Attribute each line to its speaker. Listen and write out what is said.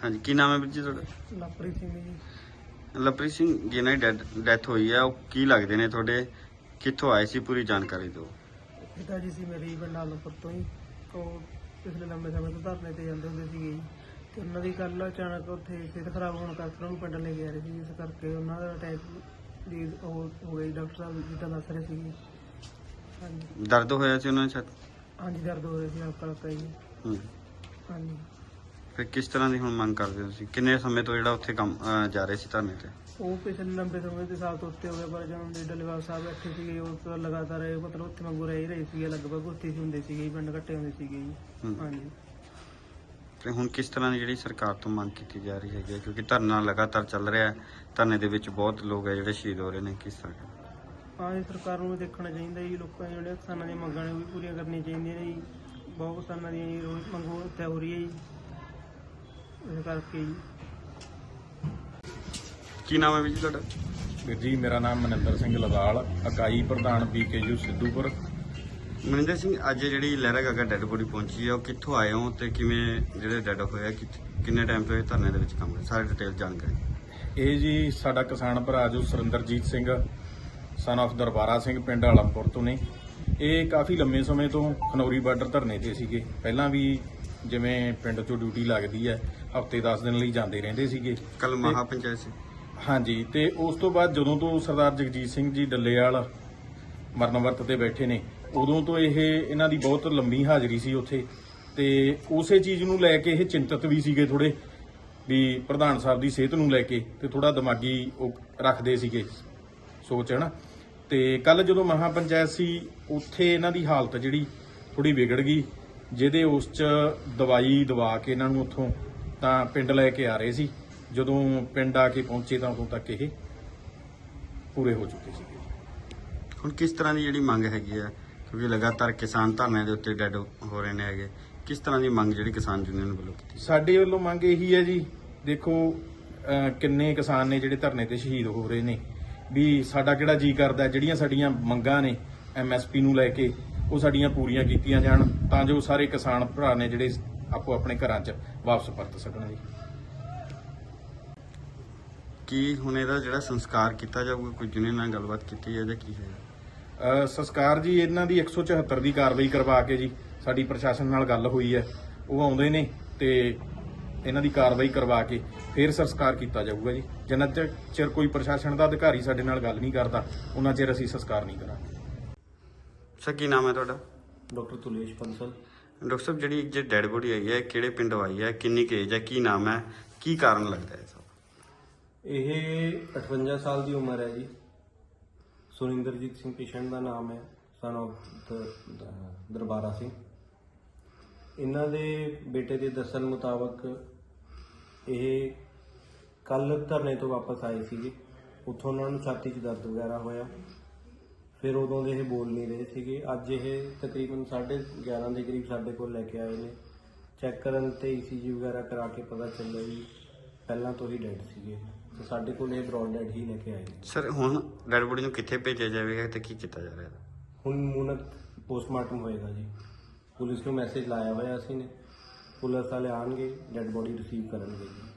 Speaker 1: ਹਾਂਜੀ, ਕੀ ਨਾਮ ਹੈ ਵੀਰ ਜੀ ਤੁਹਾਡਾ?
Speaker 2: ਲਵਪ੍ਰੀਤ ਸਿੰਘ ਜੀ।
Speaker 1: ਲਵਪ੍ਰੀਤ ਸਿੰਘ, ਜਿਨ੍ਹਾਂ ਦੀ ਡੈਥ ਹੋਈ ਹੈ ਉਹ ਕੀ ਲੱਗਦੇ ਨੇ ਤੁਹਾਡੇ? ਕਿੱਥੋਂ ਆਏ ਸੀ? ਪੂਰੀ ਜਾਣਕਾਰੀ ਦਿਓ।
Speaker 2: ਪਿਤਾ ਜੀ ਸੀ ਮੇਰੇ ਪਿੰਡ ਆਲਮਪੁਰ ਤੋਂ ਹੀ। ਉਹ ਪਿਛਲੇ ਲੰਬੇ ਸਮੇਂ ਤੋਂ ਧਰਨੇ ਤੇ ਜਾਂਦੇ ਹੁੰਦੇ ਸੀਗੇ ਜੀ, ਤੇ ਉਹਨਾਂ ਦੀ ਕੱਲ੍ਹ ਅਚਾਨਕ ਉੱਥੇ ਸਿਹਤ ਖਰਾਬ ਹੋਣ ਕਰਕੇ ਉਹਨਾਂ ਨੂੰ ਪਿੰਡ ਲੈ ਕੇ ਆ ਰਹੇ ਸੀ, ਇਸ ਕਰਕੇ ਉਹਨਾਂ ਦਾ ਅਟੈਕ ਦੀ ਉਹ ਹੋ ਗਈ। ਡਾਕਟਰ ਸਾਹਿਬ ਜਿੱਦਾਂ ਦੱਸ ਰਹੇ ਸੀਗੇ। ਹਾਂਜੀ
Speaker 1: ਦਰਦ ਹੋਇਆ ਸੀ ਉਹਨਾਂ ਨੂੰ?
Speaker 2: ਹਾਂਜੀ, ਦਰਦ ਹੋ ਰਿਹਾ ਸੀ ਹਲਕਾ ਹਲਕਾ ਜੀ। ਹਾਂਜੀ।
Speaker 1: ਫਿਰ ਕਿਸ ਤਰ੍ਹਾਂ ਦੀ ਹੁਣ ਮੰਗ ਕਰਦੇ ਹੋ ਤੁਸੀਂ? ਕਿੰਨੇ ਸਮੇਂ ਤੋਂ ਜਿਹੜਾ ਉੱਥੇ ਕੰਮ ਜਾ ਰਹੇ ਸੀ ਧਰਨੇ ਤੇ?
Speaker 2: ਉਹ ਪਿਛਲੇ ਲੰਬੇ ਸਮੇਂ ਦੇ ਸਾਲ ਤੋਂ ਉੱਤੇ ਹੋ ਗਿਆ, ਪਰ ਜਦੋਂ ਦੇ ਡੱਲੇਵਾਲ ਸਾਹਿਬ ਬੈਠੇ ਸੀਗੇ ਉਹ ਤਾਂ ਲਗਾਤਾਰ ਮਤਲਬ ਉੱਥੇ ਵਾਂਗੂ ਰਹਿ ਹੀ ਰਹੇ ਸੀਗੇ, ਲਗਭਗ ਉੱਥੇ ਹੀ ਹੁੰਦੇ ਸੀਗੇ, ਪਿੰਡ ਇਕੱਠੇ ਹੁੰਦੇ ਸੀਗੇ ਜੀ। ਹਾਂਜੀ।
Speaker 1: ਤੇ ਹੁਣ ਕਿਸ ਤਰ੍ਹਾਂ ਦੀ ਜਿਹੜੀ ਸਰਕਾਰ ਤੋਂ ਮੰਗ ਕੀਤੀ ਜਾ ਰਹੀ ਹੈਗੀ ਹੈ? ਕਿਉਂਕਿ ਧਰਨਾ ਲਗਾਤਾਰ ਚੱਲ ਰਿਹਾ ਹੈ, ਧਰਨੇ ਦੇ ਵਿੱਚ ਬਹੁਤ ਲੋਕ ਹੈ ਜਿਹੜੇ ਸ਼ਹੀਦ ਹੋ ਰਹੇ ਨੇ, ਕਿਸ ਤਰ੍ਹਾਂ?
Speaker 2: ਹਾਂ, ਇਹ ਸਰਕਾਰ ਨੂੰ ਵੀ ਦੇਖਣਾ ਚਾਹੀਦਾ ਜੀ, ਲੋਕਾਂ ਦੀਆਂ ਜਿਹੜੀਆਂ ਕਿਸਾਨਾਂ ਦੀਆਂ ਮੰਗਾਂ ਨੇ ਉਹ ਵੀ ਪੂਰੀਆਂ ਕਰਨੀਆਂ ਚਾਹੀਦੀਆਂ ਨੇ ਜੀ। ਬਹੁਤ ਕਿਸਾਨਾਂ ਦੀਆਂ ਮੰਗੋਂ ਉੱਥੇ ਹੋ ਰਹੀ ਹੈ ਜੀ, ਇਸ ਕਰਕੇ ਜੀ।
Speaker 1: ਕੀ ਨਾਮ ਹੈ ਵੀਰ ਜੀ ਤੁਹਾਡਾ?
Speaker 3: ਵੀਰ ਜੀ, ਮੇਰਾ ਨਾਮ ਮਨਿੰਦਰ ਸਿੰਘ ਲਵਾਲ, ਇਕਾਈ ਪ੍ਰਧਾਨ BKU ਸਿੱਧੂਪੁਰ।
Speaker 1: ਮਨਿੰਦਰ ਸਿੰਘ, ਅੱਜ ਜਿਹੜੀ ਲਹਿਰਾ ਗਾਗਾ ਡੈੱਡ ਬੋਡੀ ਪਹੁੰਚੀ ਹੈ, ਉਹ ਕਿੱਥੋਂ ਆਏ ਹੋ ਤੇ ਕਿਵੇਂ ਜਿਹੜੇ ਡੈੱਡ ਹੋਇਆ, ਕਿੰਨੇ ਟਾਈਮ ਤੋਂ ਇਹ ਧਰਨੇ ਦੇ ਵਿੱਚ ਕੰਮ ਕਰ? ਸਾਰੇ ਡਿਟੇਲ ਜਾਣਕਾਰੀ।
Speaker 3: ਇਹ ਜੀ ਸਾਡਾ ਕਿਸਾਨ ਭਰਾ ਜੋ ਸੁਰਿੰਦਰਜੀਤ ਸਿੰਘ ਸਨ ਆਫ ਦਰਬਾਰਾ ਸਿੰਘ ਪਿੰਡ ਆਲਮਪੁਰ ਤੋਂ ਨੇ। ਇਹ ਕਾਫੀ ਲੰਮੇ ਸਮੇਂ ਤੋਂ ਖਨੌਰੀ ਬਾਰਡਰ ਧਰਨੇ ਤੇ ਸੀਗੇ। ਪਹਿਲਾਂ ਵੀ ਜਿਵੇਂ ਪਿੰਡ 'ਚੋਂ ਡਿਊਟੀ ਲੱਗਦੀ ਹੈ, ਹਫ਼ਤੇ 10 ਦਿਨ ਲਈ ਜਾਂਦੇ ਰਹਿੰਦੇ ਸੀਗੇ।
Speaker 1: ਕੱਲ ਮਹਾ ਪੰਚਾਇਤ ਸੀ।
Speaker 3: ਹਾਂਜੀ, ਤੇ ਉਸ ਤੋਂ ਬਾਅਦ ਜਦੋਂ ਤੋਂ ਸਰਦਾਰ ਜਗਜੀਤ ਸਿੰਘ ਜੀ ਡੱਲੇਵਾਲ ਮਰਨ ਵਰਤ ਤੇ ਬੈਠੇ ਨੇ, ਉਦੋਂ ਤੋਂ ਇਹਨਾਂ ਦੀ ਬਹੁਤ ਲੰਮੀ ਹਾਜ਼ਰੀ ਸੀ ਉੱਥੇ, ਤੇ ਉਸੇ ਚੀਜ਼ ਨੂੰ ਲੈ ਕੇ ਇਹ ਚਿੰਤਤ ਵੀ ਸੀਗੇ ਥੋੜੇ, ਵੀ ਪ੍ਰਧਾਨ ਸਾਹਿਬ ਦੀ ਸਿਹਤ ਨੂੰ ਲੈ ਕੇ, ਤੇ ਥੋੜਾ ਦਿਮਾਗੀ ਉਹ ਰੱਖਦੇ ਸੀਗੇ ਸੋਚ, ਹਨਾ। ਤੇ ਕੱਲ ਜਦੋਂ ਮਹਾ ਪੰਚਾਇਤ ਸੀ, ਉੱਥੇ ਇਹਨਾਂ ਦੀ ਹਾਲਤ ਜਿਹੜੀ ਥੋੜੀ ਵਿਗੜ ਗਈ, ਜਿਹਦੇ ਉਸ 'ਚ ਦਵਾਈ ਦਵਾ ਕੇ ਇਹਨਾਂ ਨੂੰ ਉੱਥੋਂ ਤਾਂ ਪਿੰਡ ਲੈ ਕੇ ਆ ਰਹੇ ਸੀ। ਜਦੋਂ ਪਿੰਡ ਆ ਕੇ ਪਹੁੰਚੇ ਤਾਂ ਉਦੋਂ ਤੱਕ ਇਹ ਪੂਰੇ ਹੋ ਚੁੱਕੇ ਸੀਗੇ।
Speaker 1: ਹੁਣ ਕਿਸ ਤਰ੍ਹਾਂ ਦੀ ਜਿਹੜੀ ਮੰਗ ਹੈਗੀ ਆ? ਕਿਉਂਕਿ ਲਗਾਤਾਰ ਕਿਸਾਨ ਧਰਨੇ ਦੇ ਉੱਤੇ ਡੈੱਡ ਹੋ ਰਹੇ ਨੇ ਹੈਗੇ, ਕਿਸ ਤਰ੍ਹਾਂ ਦੀ ਮੰਗ ਜਿਹੜੀ ਕਿਸਾਨ ਯੂਨੀਅਨ ਵੱਲੋਂ ਕੀਤੀ?
Speaker 3: ਸਾਡੇ ਵੱਲੋਂ ਮੰਗ ਇਹੀ ਹੈ ਜੀ, ਦੇਖੋ ਕਿੰਨੇ ਕਿਸਾਨ ਨੇ ਜਿਹੜੇ ਧਰਨੇ ਤੇ ਸ਼ਹੀਦ ਹੋ ਰਹੇ ਨੇ, ਵੀ ਸਾਡਾ ਕਿਹੜਾ ਜੀ ਕਰਦਾ ਜਿਹੜੀਆਂ ਸਾਡੀਆਂ ਮੰਗਾਂ ਨੇ MSP ਨੂੰ ਲੈ ਕੇ, ਉਹ ਸਾਡੀਆਂ ਪੂਰੀਆਂ ਕੀਤੀਆਂ ਜਾਣ, ਤਾਂ ਜੋ ਸਾਰੇ ਕਿਸਾਨ ਭਰਾ ਨੇ ਜਿਹੜੇ ਆਪੋ ਆਪਣੇ ਘਰਾਂ 'ਚ ਵਾਪਸ ਪਰਤ ਸਕਣ ਜੀ।
Speaker 1: ਕੀ ਹੁਣ ਇਹਦਾ ਜਿਹੜਾ ਸੰਸਕਾਰ ਕੀਤਾ ਜਾਊਗਾ? ਕੋਈ ਯੂਨੀਅਨ ਨਾਲ ਗੱਲਬਾਤ ਕੀਤੀ ਹੈ ਜਾਂ ਕੀ ਹੈ?
Speaker 3: ਸੰਸਕਾਰ ਜੀ ਇਹਨਾਂ ਦੀ 174 ਦੀ ਕਾਰਵਾਈ ਕਰਵਾ ਕੇ ਜੀ, ਸਾਡੀ ਪ੍ਰਸ਼ਾਸਨ ਨਾਲ ਗੱਲ ਹੋਈ ਹੈ, ਉਹ ਆਉਂਦੇ ਨੇ ਤੇ ਇਹਨਾਂ ਦੀ ਕਾਰਵਾਈ ਕਰਵਾ ਕੇ ਫਿਰ ਸੰਸਕਾਰ ਕੀਤਾ ਜਾਊਗਾ ਜੀ। ਜਿੰਨਾ ਚਿਰ ਕੋਈ ਪ੍ਰਸ਼ਾਸਨ ਦਾ ਅਧਿਕਾਰੀ ਸਾਡੇ ਨਾਲ ਗੱਲ ਨਹੀਂ ਕਰਦਾ, ਉਹਨਾਂ ਚਿਰ ਅਸੀਂ ਸੰਸਕਾਰ ਨਹੀਂ ਕਰਾਂਗੇ।
Speaker 1: ਸਰ, ਕੀ ਨਾਮ ਹੈ ਤੁਹਾਡਾ?
Speaker 4: ਡਾਕਟਰ ਤੁਲੇਸ਼ ਬੰਸਲ।
Speaker 1: ਡਾਕਟਰ ਸਾਹਿਬ, ਜਿਹੜੀ ਜੇ ਡੈੱਡ ਬੋਡੀ ਆਈ ਹੈ, ਕਿਹੜੇ ਪਿੰਡ ਆਈ ਹੈ, ਕਿੰਨੀ ਕੁ ਏਜ ਹੈ, ਕੀ ਨਾਮ ਹੈ, ਕੀ ਕਾਰਨ ਲੱਗਦਾ ਹੈ ਸਭ?
Speaker 4: ਇਹ 58 ਸਾਲ ਦੀ ਉਮਰ ਹੈ ਜੀ। ਸੁਰਿੰਦਰਜੀਤ ਸਿੰਘ ਪੇਸ਼ੈਂਟ ਦਾ ਨਾਮ ਹੈ, ਸਨ ਆਫ ਦਰਬਾਰਾ ਸਿੰਘ। ਇਹਨਾਂ ਦੇ ਬੇਟੇ ਦੇ ਦੱਸਣ ਮੁਤਾਬਕ ਇਹ ਕੱਲ ਧਰਨੇ ਤੋਂ ਵਾਪਸ ਆਏ ਸੀਗੇ, ਉੱਥੋਂ ਉਹਨਾਂ ਨੂੰ ਛਾਤੀ 'ਚ ਦਰਦ ਵਗੈਰਾ ਹੋਇਆ, ਫਿਰ ਉਦੋਂ ਦੇ ਇਹ ਬੋਲ ਨਹੀਂ ਰਹੇ ਸੀਗੇ। ਅੱਜ ਇਹ ਤਕਰੀਬਨ 11:30 ਦੇ ਕਰੀਬ ਸਾਡੇ ਕੋਲ ਲੈ ਕੇ ਆਏ ਨੇ। ਚੈੱਕ ਕਰਨ ਤੇ ECG ਵਗੈਰਾ ਕਰਾ ਕੇ ਪਤਾ ਚੱਲਿਆ ਵੀ ਪਹਿਲਾਂ ਤੋਂ ਹੀ ਡੈਡ ਸੀਗੇ, ਤੇ ਸਾਡੇ ਕੋਲ ਇਹ ਬਰੌਡ ਡੈਡ ਹੀ ਲੈ ਕੇ ਆਏ ਨੇ।
Speaker 1: ਸਰ, ਹੁਣ ਡੈੱਡ ਬੋਡੀ ਨੂੰ ਕਿੱਥੇ ਭੇਜਿਆ ਜਾਵੇਗਾ ਤੇ ਕੀ ਕੀਤਾ ਜਾ ਰਿਹਾ?
Speaker 4: ਹੁਣ ਮੂਨਕ ਪੋਸਟਮਾਰਟਮ ਹੋਏਗਾ ਜੀ। ਪੁਲਿਸ ਨੂੰ ਮੈਸੇਜ ਲਾਇਆ ਹੋਇਆ ਅਸੀਂ ਨੇ, ਪੁਲਿਸ ਵਾਲੇ ਆਣਗੇ, ਡੈਡ ਬੋਡੀ ਰਿਸੀਵ ਕਰਨਗੇ ਜੀ।